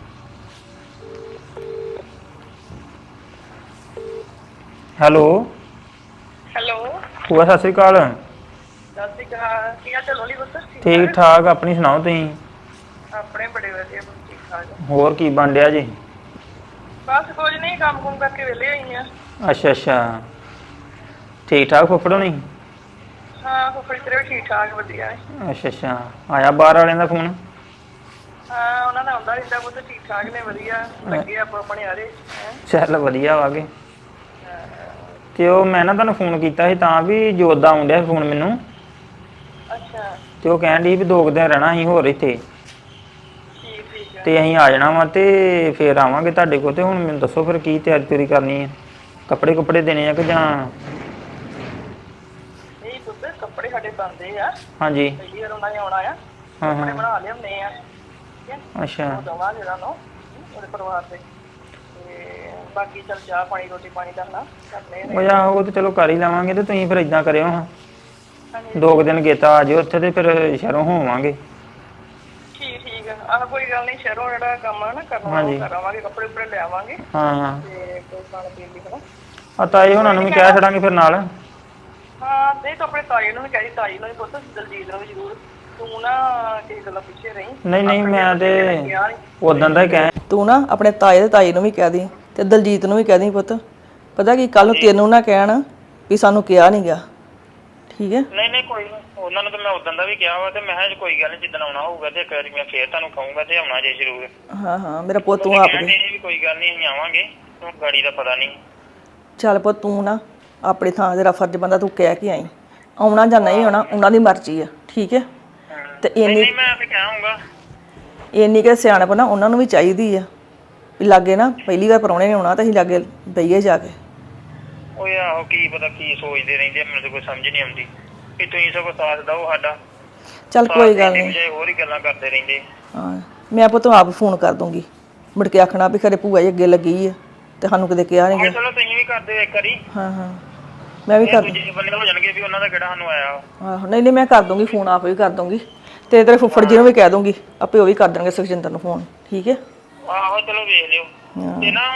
E: ਹੈਲੋ
F: ਹੈਲੋ,
E: ਭੂਆ ਸਤਿ ਸ਼੍ਰੀ ਅਕਾਲ।
F: ਸਤਿ ਸ਼੍ਰੀ ਅਕਾਲ। ਕੀ ਹਾਲ ਚਾਲ ਹੋਲੀ ਪੁੱਤ?
E: ਠੀਕ ਠਾਕ, ਆਪਣੀ ਸੁਣਾਓ ਤੁਸੀਂ?
F: ਆਪਣੇ ਬੜੇ ਵਧੀਆ ਪੁੱਤ, ਠੀਕ ਠਾਕ।
E: ਹੋਰ ਕੀ ਬਣ ਡਿਆ ਜੀ?
F: ਬਸ ਕੁਝ ਨਹੀਂ, ਕੰਮ ਕੁਮ ਕਰਕੇ ਵਿਹਲੇ ਹੋਈ ਆ।
E: ਅੱਛਾ ਅੱਛਾ, ਠੀਕ ਠਾਕ ਫੁੱਫੜੋ ਨਹੀਂ?
F: ਹਾਂ ਫੁੱਫੜੀ ਤੇਰੇ ਵੀ ਠੀਕ ਠਾਕ ਵਧੀਆ ਹੈ।
E: ਅੱਛਾ ਅੱਛਾ, ਆਇਆ ਬਾਹਰ ਵਾਲਿਆਂ ਦਾ ਫੋਨ?
F: ਹਾਂ ਉਹਨਾਂ ਦਾ ਆਉਂਦਾ ਰਹਿੰਦਾ ਪੁੱਤ, ਠੀਕ ਠਾਕ ਨੇ, ਵਧੀਆ ਲੱਗੇ ਆਪਾਂ ਆਪਣੇ ਆਰੇ।
E: ਚੱਲ ਵਧੀਆ ਵਾਗੇ। ਤੇ ਉਹ ਮੈਂ ਨਾ ਤੁਹਾਨੂੰ ਫੋਨ ਕੀਤਾ ਸੀ ਤਾਂ ਵੀ ਜੋਤ ਦਾ ਆਉਣ ਡਿਆ ਫੋਨ ਮੈਨੂੰ,
F: ਅੱਛਾ
E: ਤੇ ਉਹ ਕਹਿਣ ਡਈ ਵੀ 2 ਦਿਨ ਰਹਿਣਾ ਅਸੀਂ ਹੋਰ ਇੱਥੇ,
F: ਠੀਕ ਠੀਕ ਹੈ।
E: ਤੇ ਅਸੀਂ ਆ ਜਾਣਾ ਵਾ ਤੇ ਫੇਰ ਆਵਾਂਗੇ ਤੁਹਾਡੇ ਕੋਲ। ਤੇ ਹੁਣ ਮੈਨੂੰ ਦੱਸੋ ਫਿਰ ਕੀ ਤਿਆਰੀ ਤਿਉਰੀ ਕਰਨੀ ਹੈ, ਕੱਪੜੇ ਕੁੱਪੜੇ ਦੇਣੇ ਆ ਕਿ ਜਾਂ?
F: ਨਹੀਂ ਪੁੱਤ ਕੱਪੜੇ ਸਾਡੇ ਬਣਦੇ ਆ,
E: ਹਾਂਜੀ।
F: ਪਹਿਲੀ ਵਾਰ ਉਹਨਾਂ ਨੇ ਆਉਣਾ ਆ,
E: ਹਾਂ
F: ਕੱਪੜੇ
E: ਹਾਂ,
F: ਬਣਾ ਲਿਆਉਂਦੇ ਆ, ਠੀਕ ਹੈ।
E: ਅੱਛਾ
F: ਉਹ ਦਵਾਂਗੇ ਉਹਨਾਂ ਨੂੰ, ਉਹਦੇ ਪਰਿਵਾਰ ਦੇ। ਤੇ ਬਾਕੀ ਚੱਲ ਚਾਹ ਪਾਣੀ ਰੋਟੀ ਪਾਣੀ ਦਾ ਨਾ ਕਰਨੇ ਨੇ।
E: ਉਹ ਆਹੋ ਉਹ ਤੇ ਚਲੋ ਕਰ ਹੀ ਲਵਾਂਗੇ। ਤੇ ਤੁਸੀਂ ਫਿਰ ਇਦਾਂ ਕਰਿਓ ਹਾਂ,
F: ਹਾਂਜੀ
E: 2 ਦਿਨ ਗੇਤਾ ਆ ਜਿਓ ਉੱਥੇ ਤੇ ਫਿਰ ਸ਼ਹਿਰੋਂ ਹੋਵਾਂਗੇ।
F: ਠੀਕ ਠੀਕ ਆ। ਆਹ ਕੋਈ ਗੱਲ ਨਹੀਂ, ਸ਼ਹਿਰੋਂ ਜਿਹੜਾ ਕੰਮ ਆ ਨਾ ਕਰਨਾ
E: ਹਾਂਜੀ।
F: ਉਹ ਕਰਾਵਾਂਗੇ, ਕੱਪੜੇ ਕੁਪੜੇ ਲੈ ਆਵਾਂਗੇ
E: ਹਾਂ ਹਾਂ,
F: ਤੇ ਕੋਈ ਖਾਣ ਪੀਣ ਦੀ ਹਨਾ।
E: ਆ ਤਾਏ ਹੁਣਾਂ ਨੂੰ ਵੀ ਕਹਿ ਛੱਡਾਂਗੇ ਫਿਰ ਨਾਲ।
F: ਹਾਂ ਨਹੀਂ ਤਾਂ ਆਪਣੇ ਤਾਈ ਨੂੰ ਵੀ ਕਹਿ, ਤਾਈ ਨੂੰ ਵੀ ਪੁੱਤ, ਦਲਜੀਤ ਨੂੰ ਵੀ ਜ਼ਰੂਰ। ਤੂੰ ਨਾ ਕਿਸੇ ਗੱਲਾਂ ਪਿੱਛੇ ਰਹੀ।
E: ਨਹੀਂ ਨਹੀਂ, ਮੈਂ ਤੇ
F: ਕਿਹਾ ਨੀ।
E: ਉਦੋਂ ਦਾ ਹੀ ਕਹਿ।
F: ਤੂੰ ਨਾ ਆਪਣੇ ਤਾਏ ਤੇ ਤਾਈ ਨੂੰ ਵੀ ਕਹਿ ਦੀ ਤੇ ਦਲਜੀਤ ਨੂੰ ਵੀ ਕਹਿ ਦੀ ਪੁੱਤ। ਪਤਾ ਕੀ ਕੱਲ ਨੂੰ ਤੈਨੂੰ ਨਾ ਕਹਿਣ ਵੀ ਸਾਨੂੰ ਕਿਹਾ ਨਹੀਂ ਗਿਆ, ਠੀਕ ਹੈ।
E: ਨਹੀਂ ਨਹੀਂ ਕੋਈ ਨਹੀਂ, ਉਹਨਾਂ ਨੂੰ ਤਾਂ ਮੈਂ ਉਦੋਂ ਦਾ ਵੀ ਕਿਹਾ ਵਾ। ਤੇ ਮੈਂ ਕਿਹਾ ਕੋਈ ਗੱਲ ਨਹੀਂ, ਜਿੱਦਣ ਆਉਣਾ ਹੋਊਗਾ ਤੇ ਇੱਕ ਵਾਰੀ ਮੈਂ ਫੇਰ ਤੁਹਾਨੂੰ ਕਹੂੰਗਾ ਤੇ ਆਉਣਾ ਜੇ ਜ਼ਰੂਰ।
F: ਹਾਂ ਹਾਂ ਮੇਰਾ ਪੁੱਤ, ਤੂੰ ਆਪ ਦੇ
E: ਵੀ ਕੋਈ ਗੱਲ ਨਹੀਂ ਅਸੀਂ ਆਵਾਂਗੇ, ਤੂੰ ਗਾੜੀ ਦਾ ਪਤਾ ਨਹੀਂ।
F: ਚੱਲ ਪੁੱਤ ਤੂੰ ਨਾ ਆਪਣੇ ਥਾਂ ਤੇਰਾ ਫਰਜ਼ ਬੰਦਾ, ਤੂੰ ਕਹਿ ਕੇ ਆਈ। ਆਉਣਾ ਜਾਂ ਨਹੀਂ ਆਉਣਾ ਉਹਨਾਂ ਦੀ ਮਰਜ਼ੀ ਆ, ਠੀਕ ਹੈ। ਤੇ ਇੰਨੀ
E: ਮੈਂ ਤੇ ਕਹਾਂਗਾ,
F: ਇੰਨੀ ਕਿ ਸਿਆਣਪ ਨਾ ਉਹਨਾਂ ਨੂੰ ਵੀ ਚਾਹੀਦੀ ਆ ਵੀ ਲਾਗੇ ਨਾ ਪਹਿਲੀ ਵਾਰ ਪ੍ਰਾਹੁਣੇ ਨੇ ਆਉਣਾ ਤਾਂ ਅਸੀਂ ਲਾਗੇ ਬਈਏ ਜਾ ਕੇ।
E: ਓਏ ਆਹੋ ਕੀ ਪਤਾ ਕੀ ਸੋਚਦੇ ਰਹਿੰਦੇ, ਮੈਨੂੰ ਤਾਂ ਕੋਈ ਸਮਝ ਨਹੀਂ ਆਉਂਦੀ ਕਿ ਤੁਸੀਂ ਸਗੋਂ ਸਾਥ ਦਿਓ ਸਾਡਾ।
F: ਚੱਲ ਕੋਈ ਗੱਲ ਨਹੀਂ,
E: ਹੋਰ ਹੀ ਗੱਲਾਂ ਕਰਦੇ ਰਹਿੰਦੇ।
F: ਹਾਂ ਮੈਂ ਪੁੱਤ ਆਪ ਫੋਨ ਕਰ ਦੂੰਗੀ, ਮੁੜ ਕੇ ਆਖਣਾ ਵੀ ਖਰੇ ਭੂਆ ਜੀ ਅੱਗੇ ਲੱਗੀ ਆ ਤੇ ਸਾਨੂੰ ਕਦੇ ਕਿਹਾ ਨਹੀਂ ਗਿਆ।
E: ਚਲੋ ਤੁਸੀਂ ਵੀ ਕਰ ਦਿਓ ਇੱਕ ਵਾਰੀ।
F: ਹਾਂ ਹਾਂ ਮੈਂ ਵੀ ਕਰ ਦੂੰ।
E: ਦੂਜੇ ਬੰਦੇ ਹੋ ਜਾਣਗੇ ਵੀ ਉਹਨਾਂ ਦਾ ਕਿਹੜਾ ਸਾਨੂੰ ਆਇਆ।
F: ਆਹੋ ਨਹੀਂ ਨਹੀਂ ਮੈਂ ਕਰ ਦੂੰਗੀ ਫੋਨ, ਆਪ ਵੀ ਕਰ ਦੂੰਗੀ ਤੇ ਤੇਰੇ ਫੁੱਫੜ ਜੀ ਨੂੰ ਵੀ ਕਹਿ ਦੂੰਗੀ, ਆਪੇ ਉਹ ਵੀ ਕਰ ਦੇਣਗੇ ਸੁਖਜਿੰਦਰ ਨੂੰ ਫੋਨ, ਠੀਕ ਹੈ।
E: ਆਹੋ ਚਲੋ ਵੇਖ ਲਿਓ ਤੇ ਨਾ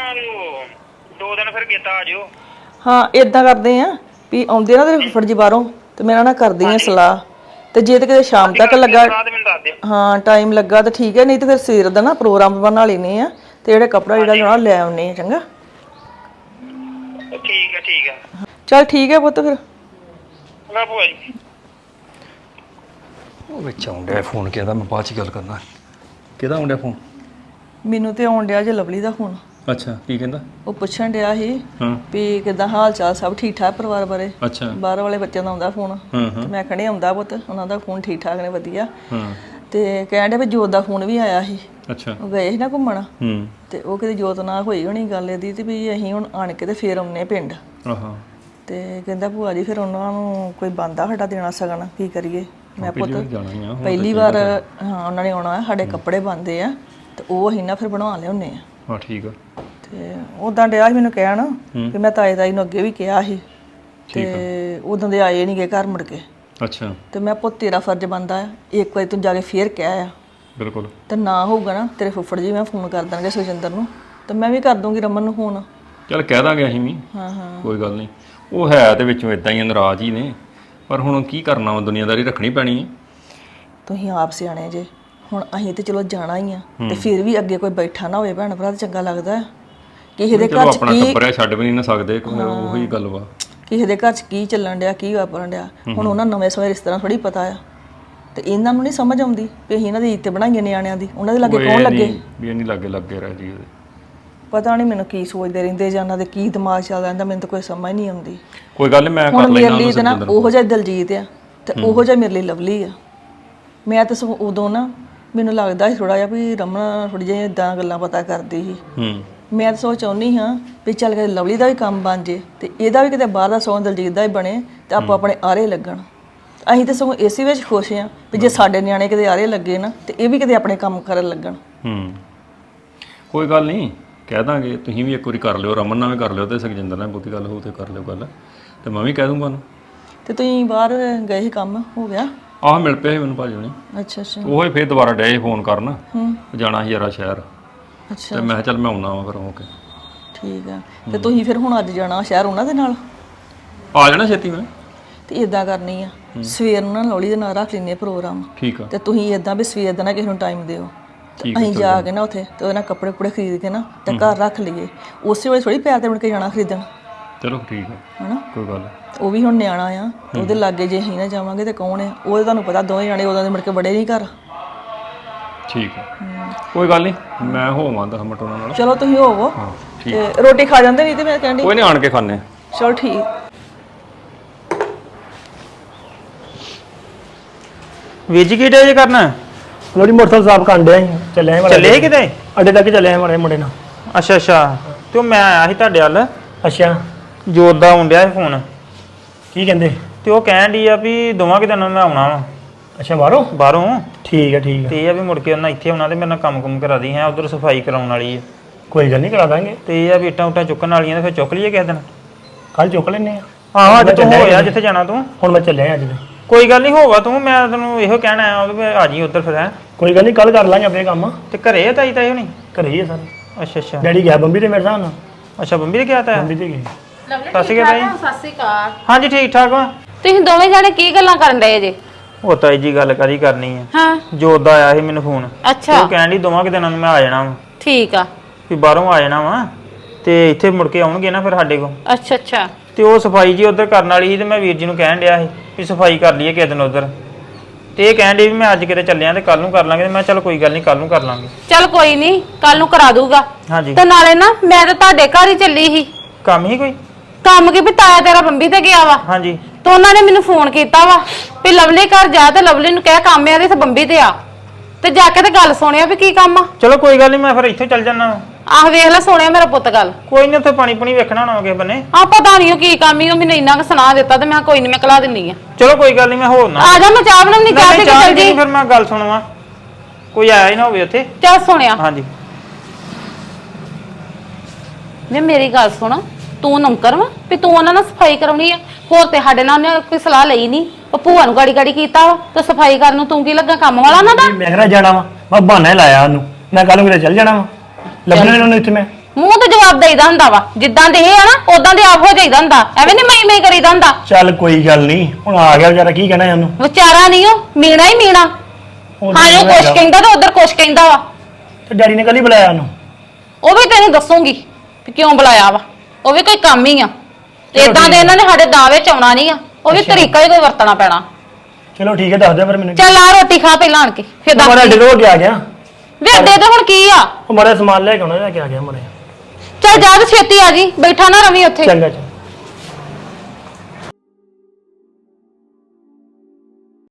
E: 2 ਦਿਨ ਫਿਰ ਗੇਤਾ ਆ ਜਿਓ।
F: ਹਾਂ ਇਦਾਂ ਕਰਦੇ ਆ ਵੀ ਆਉਂਦੇ ਨਾ ਤੇਰੇ ਫੁੱਫੜ ਜੀ ਬਾਹਰੋਂ ਤੇ ਮੈਂ ਨਾਲ ਕਰਦੀ ਆ ਸਲਾਹ, ਤੇ ਜੇ ਤੇ ਕਿਤੇ ਸ਼ਾਮ ਤੱਕ ਲੱਗਾ, ਹਾਂ ਟਾਈਮ ਲੱਗਾ ਤਾਂ ਠੀਕ ਹੈ, ਨਹੀਂ ਤੇ ਫਿਰ ਸਵੇਰ ਦਾ ਨਾ ਪ੍ਰੋਗਰਾਮ ਬਣਾ ਲੈਨੇ ਆ ਤੇ ਜਿਹੜੇ ਕੱਪੜਾ ਜਿਹੜਾ ਲੈਣਾ ਲੈ ਆਉਨੇ ਆ। ਚੰਗਾ
E: ਠੀਕ ਹੈ ਠੀਕ ਹੈ।
F: ਚੱਲ ਠੀਕ ਹੈ ਪੁੱਤ ਫਿਰ।
E: ਮੈਂ ਭੂਆ ਜੀ
G: ਉਹ ਵਿੱਚ ਆਉਂਦਾ ਫੋਨ, ਕਿਹਦਾ ਮੈਂ ਬਾਅਦ ਚ ਗੱਲ ਕਰਨਾ। ਕਿਹਦਾ ਆਉਂਦਾ ਫੋਨ?
F: ਮੈਨੂੰ ਤੇ ਆਉਣ ਡਿਆ ਜੇ ਲਵਲੀ ਦਾ ਫੋਨ।
G: ਅੱਛਾ ਕੀ ਕਹਿੰਦਾ?
F: ਉਹ ਪੁੱਛਣ ਡਿਆ ਸੀ
G: ਹਾਂ
F: ਵੀ ਕਿੱਦਾਂ ਹਾਲ ਚਾਲ, ਸਭ ਠੀਕ ਠਾਕ ਪਰਿਵਾਰ ਬਾਰੇ।
G: ਅੱਛਾ
F: ਬਾਹਰ ਵਾਲੇ ਬੱਚਿਆਂ ਦਾ ਆਉਂਦਾ ਫੋਨ
G: ਹਾਂ ਹਾਂ
F: ਤੇ ਮੈਂ ਕਹਿੰਦੀ ਆਉਂਦਾ ਪੁੱਤ, ਉਹਨਾਂ ਦਾ ਫੋਨ ਠੀਕ ਠਾਕ ਨੇ ਵਧੀਆ।
G: ਹਾਂ
F: ਤੇ ਕਹਿਣ ਡਿਆ ਵੀ ਜੋਤ ਦਾ ਫੋਨ ਵੀ ਆਇਆ ਸੀ,
G: ਅੱਛਾ
F: ਉਹ ਗਏ ਸੀ ਨਾ ਘੁੰਮਣ
G: ਹੂੰ
F: ਤੇ ਉਹ ਕਿਤੇ ਜੋਤ ਨਾਲ ਹੋਈ ਹੋਣੀ ਗੱਲ ਇਹਦੀ ਤੇ ਵੀ ਅਸੀਂ ਹੁਣ ਆਣ ਕੇ ਤੇ ਫੇਰ ਆਉਨੇ ਪਿੰਡ।
G: ਆਹਾ
F: ਤੇ ਕਹਿੰਦਾ ਭੂਆ ਜੀ ਫਿਰ ਉਹਨਾਂ ਨੂੰ ਕੋਈ ਬੰਦਾ ਸਾਡਾ ਦੇਣਾ ਸਗਨ, ਕੀ ਕਰੀਏ। ਮੈਂ ਪੁੱਤ
G: ਜਾਣਾ ਹੀ ਆ
F: ਪਹਿਲੀ ਵਾਰ ਹਾਂ ਉਹਨਾਂ ਨੇ ਆਉਣਾ, ਸਾਡੇ ਕੱਪੜੇ ਬਣਦੇ ਆ ਤੇ ਉਹ ਅਸੀਂ ਨਾ ਫਿਰ ਬਣਵਾ ਲਿਆਉਂਦੇ ਆ।
G: ਹਾਂ ਠੀਕ ਆ।
F: ਤੇ ਉਦਾਂ ਡਿਆ ਸੀ ਮੈਨੂੰ ਕਹਿਣ ਵੀ ਮੈਂ ਤਾਏ ਤਾਈ ਨੂੰ ਅੱਗੇ ਵੀ ਕਿਹਾ ਸੀ ਤੇ ਉਦੋਂ ਦੇ ਆਏ ਨਹੀਂ ਗਏ ਘਰ ਮੁੜ ਕੇ।
G: ਅੱਛਾ
F: ਤੇ ਮੈਂ ਪੁੱਤ ਤੇਰਾ ਫਰਜ਼ ਬਣਦਾ ਆ, ਇੱਕ ਵਾਰੀ ਤੂੰ ਜਾ ਕੇ ਫੇਰ ਕਹਿ ਆ।
G: ਬਿਲਕੁਲ।
F: ਤੇ ਨਾ ਹੋਊਗਾ ਨਾ ਤੇਰੇ ਫੁੱਫੜ ਜੀ ਮੈਂ ਫੋਨ ਕਰ ਦਾਂਗੇ ਸੁਖਜਿੰਦਰ ਨੂੰ, ਤੇ ਮੈਂ ਵੀ ਕਰ ਦੂੰਗੀ ਰਮਨ ਨੂੰ ਫੋਨ।
G: ਚੱਲ ਕਹਿ ਦਾਂਗੇ ਅਸੀਂ ਵੀ,
F: ਹਾਂ ਹਾਂ
G: ਕੋਈ ਗੱਲ ਨਹੀਂ। ਉਹ ਹੈ ਤੇ ਵਿੱਚੋਂ ਇਦਾਂ ਹੀ ਨਾਰਾਜ਼ ਹੀ ਨੇ, ਪਰ ਹੁਣ ਕੀ ਕਰਨਾ ਵਾ, ਦੁਨੀਆਦਾਰੀ ਰੱਖਣੀ ਪੈਣੀ ਹੈ।
F: ਤੁਸੀਂ ਆਪ ਸਿਆਣੇ ਜੇ, ਹੁਣ ਅਸੀਂ ਤੇ ਚਲੋ ਜਾਣਾ ਹੀ ਆ ਤੇ ਫਿਰ ਵੀ ਅੱਗੇ ਕੋਈ ਬੈਠਾ ਨਾ ਹੋਵੇ ਭੈਣ ਭਰਾ ਤੇ ਚੰਗਾ ਲੱਗਦਾ। ਕਿਸੇ ਦੇ ਘਰ ਚ
G: ਆਪਣਾ
F: ਕੀ,
G: ਟੱਬਰ ਛੱਡ ਵੀ ਨਹੀਂ ਨਾ ਸਕਦੇ, ਉਹੀ ਗੱਲ ਵਾ।
F: ਕਿਸੇ ਦੇ ਘਰ ਚ ਕੀ ਚੱਲਣ ਡਿਆ, ਕੀ ਵਾਪਰਨ ਡਿਆ, ਹੁਣ ਉਹਨਾਂ ਨਵੇਂ ਸਮੇਂ ਰਿਸ਼ਤੇਦਾਰਾਂ ਥੋੜੀ ਪਤਾ ਆ। ਤੇ ਇਹਨਾਂ ਨੂੰ ਨਹੀਂ ਸਮਝ ਆਉਂਦੀ ਵੀ ਅਸੀਂ ਇਹਨਾਂ ਦੀ ਇੱਜ਼ਤ ਬਣਾਈਏ ਨਿਆਣਿਆਂ ਦੀ, ਉਹਨਾਂ ਦੇ ਲਾਗੇ
G: ਉਹ
F: ਕੌਣ
G: ਇਹ
F: ਲੱਗੇ।
G: ਨਹੀਂ ਵੀ ਇਹ ਨਹੀਂ ਲੱਗੇ ਰਹਿ ਜੀ ਉਹਦੇ।
F: ਪਤਾ ਨਹੀਂ ਮੈਨੂੰ ਕੀ ਸੋਚਦੇ ਰਹਿੰਦੇ ਜਾਂ ਉਹਨਾਂ ਦੇ ਕੀ ਦਿਮਾਗ ਚੱਲਦਾ ਰਹਿੰਦਾ, ਮੈਨੂੰ ਤਾਂ ਕੋਈ ਸਮਝ ਨਹੀਂ ਆਉਂਦੀ।
G: ਕੋਈ ਗੱਲ ਨਹੀਂ, ਮੈਂ ਕਰ
F: ਹੁਣ ਮੇਰੇ
G: ਲੈਣਾ
F: ਲਈ ਤਾਂ ਨਾ ਉਹੋ ਜਿਹਾ ਦਲਜੀਤ ਆ ਤੇ ਉਹੋ ਜਿਹਾ ਮੇਰੇ ਲਈ ਲਵਲੀ ਆ। ਮੈਂ ਤਾਂ ਸਗੋਂ ਉਦੋਂ ਨਾ ਮੈਨੂੰ ਲੱਗਦਾ ਸੀ ਥੋੜਾ ਜਿਹਾ ਵੀ ਰਮਨ ਥੋੜੀ ਜਿਹੀ ਇਦਾਂ ਗੱਲਾਂ ਪਤਾ ਕਰਦੀ ਸੀ। ਮੈਂ ਤਾਂ ਸੋਚ ਚਾਹੁੰਦੀ ਹਾਂ ਵੀ ਚੱਲ ਕੇ ਲਵਲੀ ਦਾ ਵੀ ਕੰਮ ਬਣ ਜੇ ਤੇ ਇਹਦਾ ਵੀ ਕਿਤੇ ਬਾਹਰ ਦਾ ਸਗੋਂ ਦਲਜੀਤ ਦਾ ਹੀ ਬਣੇ ਤੇ ਆਪਾਂ ਆਪਣੇ ਆਰੇ ਲੱਗਣ। ਅਸੀਂ ਤਾਂ ਸਗੋਂ ਇਸੇ ਵਿੱਚ ਖੁਸ਼ ਹਾਂ ਵੀ ਜੇ ਸਾਡੇ ਨਿਆਣੇ ਕਿਤੇ ਆਰੇ ਲੱਗੇ ਨਾ ਤੇ ਇਹ ਵੀ ਕਿਤੇ ਆਪਣੇ ਕੰਮ ਕਰਨ ਲੱਗਣ।
G: ਕੋਈ ਗੱਲ ਨਹੀਂ, ਕਹਿ ਦਾਂਗੇ। ਤੁਸੀਂ ਵੀ ਇੱਕ ਵਾਰੀ ਕਰ ਲਿਓ, ਰਮਨ ਨਾਲ ਵੀ ਕਰ ਲਿਓ ਤੇ ਸੁਖਜਿੰਦਰ ਨਾਲ ਬਹੁਤੀ ਗੱਲ ਹੋਊ ਤੇ ਕਰ ਲਿਓ ਗੱਲ, ਤੇ ਮੈਂ ਵੀ ਕਹਿ ਦੂੰਗਾ ਉਹਨੂੰ।
F: ਤੇ ਤੁਸੀਂ ਬਾਹਰ ਗਏ ਸੀ, ਕੰਮ ਹੋ ਗਿਆ?
G: ਆਹ ਮਿਲ ਪਿਆ ਸੀ ਮੈਨੂੰ ਭਾਜੀ ਨੇ।
F: ਅੱਛਾ ਅੱਛਾ।
G: ਉਹ ਹੀ ਫੇਰ ਦੁਬਾਰਾ ਡਏ ਫੋਨ ਕਰਨ, ਜਾਣਾ ਸੀ ਯਾਰਾ ਸ਼ਹਿਰ,
F: ਅੱਛਾ
G: ਤੇ ਮੈਂ ਕਿਹਾ ਚੱਲ ਮੈਂ ਆਉਣਾ ਵਾ ਫਿਰ ਹੋ ਕੇ।
F: ਠੀਕ ਆ। ਤੇ ਤੁਸੀਂ ਫਿਰ ਹੁਣ ਅੱਜ ਜਾਣਾ ਸ਼ਹਿਰ ਉਹਨਾਂ ਦੇ ਨਾਲ?
G: ਆ ਜਾਣਾ ਛੇਤੀ ਮੈਂ।
F: ਤੇ ਇਦਾਂ ਕਰਨੀ ਆ, ਸਵੇਰ ਨੂੰ ਨਾ ਲਵਲੀ ਦੇ ਨਾਲ ਰੱਖ ਲੈਂਦੇ ਪ੍ਰੋਗਰਾਮ।
G: ਠੀਕ ਆ।
F: ਤੇ ਤੁਸੀਂ ਇਦਾਂ ਵੀ ਸਵੇਰ ਦਾ ਨਾ ਕਿਸੇ ਨੂੰ ਟਾਈਮ ਦਿਓ, ਅਸੀਂ ਜਾ ਕੇ ਨਾ ਉੱਥੇ ਤੇ ਉਹਦੇ ਨਾਲ ਕੱਪੜੇ ਕੁੜੇ ਖਰੀਦ ਕੇ ਨਾ ਤੇ ਘਰ ਰੱਖ ਲਈਏ। ਉਸੇ ਵੇਲੇ ਥੋੜੀ ਪੈਰ ਤੇ ਮੁੜ ਕੇ ਜਾਣਾ ਖਰੀਦਣ।
G: ਚਲੋ ਠੀਕ ਆ,
F: ਹਨਾ?
G: ਕੋਈ ਗੱਲ।
F: ਉਹ ਵੀ ਹੁਣ ਨਿਆਣਾ ਆ, ਉਹਦੇ ਲਾਗੇ ਜੇ ਅਸੀਂ ਨਾ ਜਾਵਾਂਗੇ ਤੇ ਕੌਣ ਆ? ਉਹਦੇ ਤੁਹਾਨੂੰ ਪਤਾ ਦੋਵੇਂ ਜਾਣੇ ਉਦੋਂ ਦੇ ਮੁੜ ਕੇ ਬੜੇ ਨਹੀਂ ਘਰ।
G: ਠੀਕ ਆ, ਕੋਈ ਗੱਲ ਨਹੀਂ, ਮੈਂ ਹੋਵਾਂ 10 ਮਿੰਟ ਉਹਨਾਂ ਨਾਲ।
F: ਚਲੋ ਤੁਸੀਂ ਹੋਵੋ
G: ਹਾਂ ਠੀਕ।
F: ਤੇ ਰੋਟੀ ਖਾ ਜਾਂਦੇ ਨਹੀਂ ਤੇ ਮੈਂ ਕਹਿੰਦੀ।
G: ਕੋਈ ਨਹੀਂ, ਆਣ ਕੇ ਖਾਣੇ।
F: ਚਲੋ ਠੀਕ।
E: ਵੀਰ ਜੀ ਕੀ ਡੇ ਜੇ ਕਰਨਾ?
H: ਲੋੜੀ ਮੋਟਰਸਾਈਕਲ ਸਾਫ ਕਰਨ ਡਿਆ ਸੀ, ਚੱਲਿਆ ਸੀ
E: ਚੱਲੇ ਕਿਤੇ?
H: ਅੱਡੇ ਤੱਕ ਚੱਲਿਆ ਮਾਰੇ ਮੁੰਡੇ ਨਾਲ।
E: ਅੱਛਾ ਅੱਛਾ। ਤੇ ਉਹ ਮੈਂ ਆਇਆ ਸੀ ਤੁਹਾਡੇ ਵੱਲ,
H: ਅੱਛਾ,
E: ਜੋਤ ਦਾ ਆਉਂਦਿਆ ਸੀ ਫੋਨ,
H: ਕੀ ਕਹਿੰਦੇ?
E: ਤੇ ਉਹ ਕਹਿਣ ਡਈ ਆ ਵੀ ਦੋਵਾਂ ਕਿ ਦਿਨਾਂ ਨੂੰ ਮੈਂ ਆਉਣਾ ਵਾ
H: ਅੱਛਾ, ਬਾਹਰੋਂ?
E: ਬਾਹਰੋਂ।
H: ਠੀਕ ਹੈ ਠੀਕ ਹੈ,
E: ਤੇ ਇਹ ਆ ਵੀ ਮੁੜ ਕੇ ਉਹਨਾਂ ਇੱਥੇ ਆਉਣਾ ਤੇ ਮੇਰੇ ਨਾਲ ਕੰਮ ਕਰਾ ਦੀ ਹੈ, ਉਧਰ ਸਫਾਈ ਕਰਾਉਣ ਵਾਲੀ ਹੈ।
H: ਕੋਈ ਗੱਲ ਨਹੀਂ, ਕਰਾ ਦਾਂਗੇ।
E: ਤੇ ਇਹ ਆ ਵੀ ਇੱਟਾਂ ਉੱਟਾਂ ਚੁੱਕਣ ਵਾਲੀਆਂ ਤੇ ਫਿਰ ਚੁੱਕ ਲਈਏ ਕਿਸੇ ਦਿਨ।
H: ਕੱਲ ਚੁੱਕ ਲੈਨੇ ਆ।
E: ਆਹੋ ਅੱਜ ਤੂੰ ਹੋਇਆ ਜਿੱਥੇ ਜਾਣਾ ਤੂੰ।
H: ਹੁਣ ਮੈਂ ਚੱਲਿਆ ਅੱਜ ਦੇ।
E: ਕੋਈ ਗੱਲ ਨਹੀਂ, ਹੋਵਾ ਤੂੰ, ਮੈਂ ਤੈਨੂੰ ਇਹੋ ਕਹਿਣਾ ਆ ਵੀ ਆ ਜੀ ਉੱਧਰ ਫਿਰ। ਹੈ
H: ਕੋਈ ਗੱਲ ਨਹੀਂ, ਕੱਲ ਕਰ ਲਾਂਗੇ ਆਪਣੇ ਕੰਮ।
E: ਤੇ ਘਰੇ ਆ ਤਾਈ ਤਾਈ ਹੋਣੀ?
H: ਘਰੇ ਹੀ ਆ ਸਾਰੇ।
E: ਅੱਛਾ ਅੱਛਾ।
H: ਡੈਡੀ ਗਿਆ ਬੰਬੀ ਤੇ ਮੇਰੇ ਹਿਸਾਬ ਨਾਲ।
E: ਅੱਛਾ ਬੰਬੀ ਦੇ ਗਿਆ ਤਾਂ?
H: ਬੰਬੀ ਤੇ ਗਏ।
C: ਸਤਿ ਸ਼੍ਰੀ ਅਕਾਲ।
E: ਹਾਂਜੀ ਠੀਕ ਠਾਕ ਵਾ।
C: ਤੁਸੀਂ ਦੋਵੇਂ ਜਾਣੇ ਕੀ ਗੱਲਾਂ ਕਰਨ ਡਏ ਜੇ?
E: ਉਹ ਤਾਈ ਜੀ ਗੱਲ ਕਰੀ ਕਰਨੀ ਆ।
C: ਹਾਂ
E: ਜੋਤ ਦਾ ਆਇਆ ਸੀ ਮੈਨੂੰ ਫੋਨ।
C: ਅੱਛਾ
E: ਉਹ ਕਹਿਣ ਡਈ ਦੋਵਾਂ ਕਿ ਦਿਨਾਂ ਨੂੰ ਮੈਂ ਆ ਜਾਣਾ ਵਾ,
C: ਠੀਕ ਆ।
E: ਵੀ ਬਾਹਰੋਂ ਆ ਜਾਣਾ ਵਾ ਤੇ ਇੱਥੇ ਮੁੜ ਕੇ ਆਉਣਗੇ ਨਾ ਫਿਰ ਸਾਡੇ ਕੋਲ।
C: ਅੱਛਾ ਅੱਛਾ।
E: ਤੇ ਉਹ ਸਫਾਈ ਜੀ ਉਧਰ ਕਰਨ ਵਾਲੀ ਸੀ ਤੇ ਮੈਂ ਵੀਰ ਜੀ ਨੂੰ ਕਹਿਣ ਡਿਆ ਸੀ ਵੀ ਸਫਾਈ ਕਰ ਲਈਏ ਕਿਸੇ ਦਿਨ ਉਧਰ। ਤੇ ਇਹ ਕਹਿਣ ਡਈ ਵੀ ਮੈਂ ਅੱਜ ਕਿਤੇ ਚੱਲਿਆ ਤੇ ਕੱਲ ਨੂੰ ਕਰ ਲਾਂਗੇ। ਤੇ ਮੈਂ ਚਲ ਕੋਈ ਗੱਲ ਨਹੀਂ, ਕੱਲ ਨੂੰ ਕਰ ਲਾਂਗੇ।
C: ਚੱਲ ਕੋਈ ਨਹੀਂ, ਕੱਲ ਨੂੰ ਕਰਾ ਦੂਗਾ।
E: ਹਾਂਜੀ।
C: ਤੇ ਨਾਲੇ ਨਾ ਮੈਂ ਤਾਂ ਤੁਹਾਡੇ ਘਰ ਹੀ ਚੱਲੀ ਸੀ।
E: ਕੰਮ ਹੀ ਕੋਈ?
C: ਕੰਮ ਕੀ ਵੀ ਤਾਇਆ ਤੇਰਾ ਬੰਬੀ ਤੇ ਗਿਆ ਵਾ,
E: ਹਾਂਜੀ।
C: ਤੇ ਉਹਨਾਂ ਨੇ ਮੈਨੂੰ ਫੋਨ ਕੀਤਾ ਵਾ ਵੀ ਲਵਲੀ ਘਰ ਜਾ ਤੇ ਲਵਲੀ ਨੂੰ ਕਹਿ ਕੰਮ ਆ ਤੇ ਬੰਬੀ ਤੇ ਆ। ਤੇ ਜਾ ਕੇ ਤੇ ਗੱਲ ਸੁਣਿਆ ਵੀ ਕੀ ਕੰਮ ਆ।
E: ਚਲੋ ਕੋਈ ਗੱਲ ਨਹੀਂ, ਮੈਂ ਫਿਰ ਇੱਥੇ ਚੱਲ ਜਾਣਾ।
C: ਆਹ ਵੇਖ ਲੈ ਸੋਹਣਿਆ ਮੇਰਾ ਪੁੱਤ ਗੱਲ।
E: ਕੋਈ ਨਹੀਂ, ਉੱਥੇ ਪਾਣੀ ਪੁਣੀ ਵੇਖਣਾ ਹੋਣਾ ਕਿਸੇ ਬੰਨੇ।
C: ਆ ਪਤਾ ਨਹੀਂ ਉਹ ਕੀ ਕੰਮ ਹੀ, ਉਹ ਮੈਨੂੰ ਇੰਨਾ ਕੁ ਸੁਣਾ ਦਿੱਤਾ ਤੇ ਮੈਂ ਕੋਈ ਨਹੀਂ, ਮੈਂ ਕਲਾ ਦਿੰਨੀ ਆ।
E: ਚਲੋ ਕੋਈ ਗੱਲ ਨਹੀਂ, ਮੈਂ ਹੋਰ ਨਾ
C: ਆ ਜਾ, ਮੈਂ ਚਾਹ ਬਣਾਉਣੀ, ਚਾਹ ਤੇ ਚੱਲ ਜੀ।
E: ਫਿਰ ਮੈਂ ਗੱਲ ਸੁਣਵਾ, ਕੋਈ ਆਇਆ ਹੀ ਨਾ ਹੋਵੇ ਉੱਥੇ।
C: ਚੱਲ ਸੁਣਿਆ।
E: ਹਾਂਜੀ।
C: ਮੈਂ ਮੇਰੀ ਗੱਲ ਸੁਣ, ਤੂੰ ਨੌਕਰ ਵਾ ਵੀ ਤੂੰ ਉਹਨਾਂ ਨਾਲ ਸਫਾਈ ਕਰਾਉਣੀ ਆ? ਹੋਰ ਤੇ ਸਾਡੇ ਨਾਲ ਉਹਨੇ ਕੋਈ ਸਲਾਹ ਲਈ ਨਹੀਂ। ਉਹ ਭੂਆ ਨੂੰ ਗਾੜੀ ਕੀਤਾ ਵਾ ਤੇ ਸਫਾਈ ਕਰਨ ਨੂੰ ਤੂੰ ਕੀ ਲੱਗਾ, ਕੰਮ ਵਾਲਾ ਉਹਨਾਂ ਦਾ?
H: ਮੈਂ ਕਿਹੜਾ ਜਾਣਾ ਵਾ, ਮੈਂ ਬਹਾਨਾ ਹੀ ਲਾਇਆ ਉਹਨੂੰ। ਮੈਂ ਕੱਲ ਨੂੰ ਕਿਤੇ ਚੱਲ ਜਾਣਾ ਵਾ, ਲੱਭਣਾ ਨਹੀਂ ਉਹਨੂੰ ਇੱਥੇ ਮੈਂ।
C: ਮੂੰਹ ਤੇ ਜਵਾਬ ਦੇਈਦਾ ਹੁੰਦਾ ਵਾ, ਜਿੱਦਾਂ ਦੇ ਇਹ ਆ ਨਾ ਉਦਾਂ ਦੇ ਆਪ ਹੋ ਜਾਈਦਾ ਹੁੰਦਾ, ਐਵੇਂ ਨਹੀਂ ਮੈਂ ਕਰੀਦਾ ਹੁੰਦਾ।
H: ਚੱਲ ਕੋਈ ਗੱਲ ਨਹੀਂ, ਹੁਣ ਆ ਗਿਆ ਵਿਚਾਰਾ, ਕੀ ਕਹਿਣਾ ਉਹਨੂੰ।
C: ਵਿਚਾਰਾ ਨਹੀਂ ਉਹ ਮੀਣਾ ਹੀ ਮੀਣਾ। ਹਾਂ ਉਹ ਕੁਛ ਕਹਿੰਦਾ ਤੇ ਉਧਰ ਕੁਛ ਕਹਿੰਦਾ ਵਾ।
H: ਤੇ ਡੈਡੀ ਨੇ ਕੱਲ ਹੀ ਬੁਲਾਇਆ ਉਹਨੂੰ।
C: ਉਹ ਵੀ ਤੈਨੂੰ ਦੱਸੂਗੀ ਵੀ ਕਿਉਂ ਬੁਲਾਇਆ ਵਾ, ਉਹ ਵੀ ਕੋਈ ਕੰਮ ਹੀ ਆ। ਇਦਾਂ ਦੇ ਇਹਨਾਂ ਨੇ ਸਾਡੇ ਦਾਅਵੇ ਚ ਆਉਣਾ ਨਹੀਂ ਆ, ਉਹ ਵੀ ਤਰੀਕਾ ਹੀ ਕੋਈ ਵਰਤਣਾ ਪੈਣਾ।
H: ਚਲੋ ਠੀਕ ਹੈ, ਦੱਸ ਦਿਓ ਫਿਰ ਮੈਨੂੰ।
C: ਚੱਲ ਆ ਰੋਟੀ ਖਾ ਪਹਿਲਾਂ ਆਣ ਕੇ ਫਿਰ ਦੱਸ।
H: ਮਾੜਾ ਡਿਲੋ ਕੇ ਆ ਗਿਆ।
C: ਵੇ ਦੇ ਦੇ ਹੁਣ ਕੀ ਆ।
H: ਉਹ ਮਾੜਾ ਸਮਾਨ ਲੈ ਕੇ ਆਉਣਾ, ਲੈ ਕੇ ਆ ਗਿਆ ਮਾੜਾ।
C: ਚੱਲ ਜਾ ਤੇ ਛੇਤੀ ਆ ਜੀ, ਬੈਠਾ ਨਾ ਰਵੀ ਉੱਥੇ।
H: ਚੰਗਾ ਚੰਗਾ।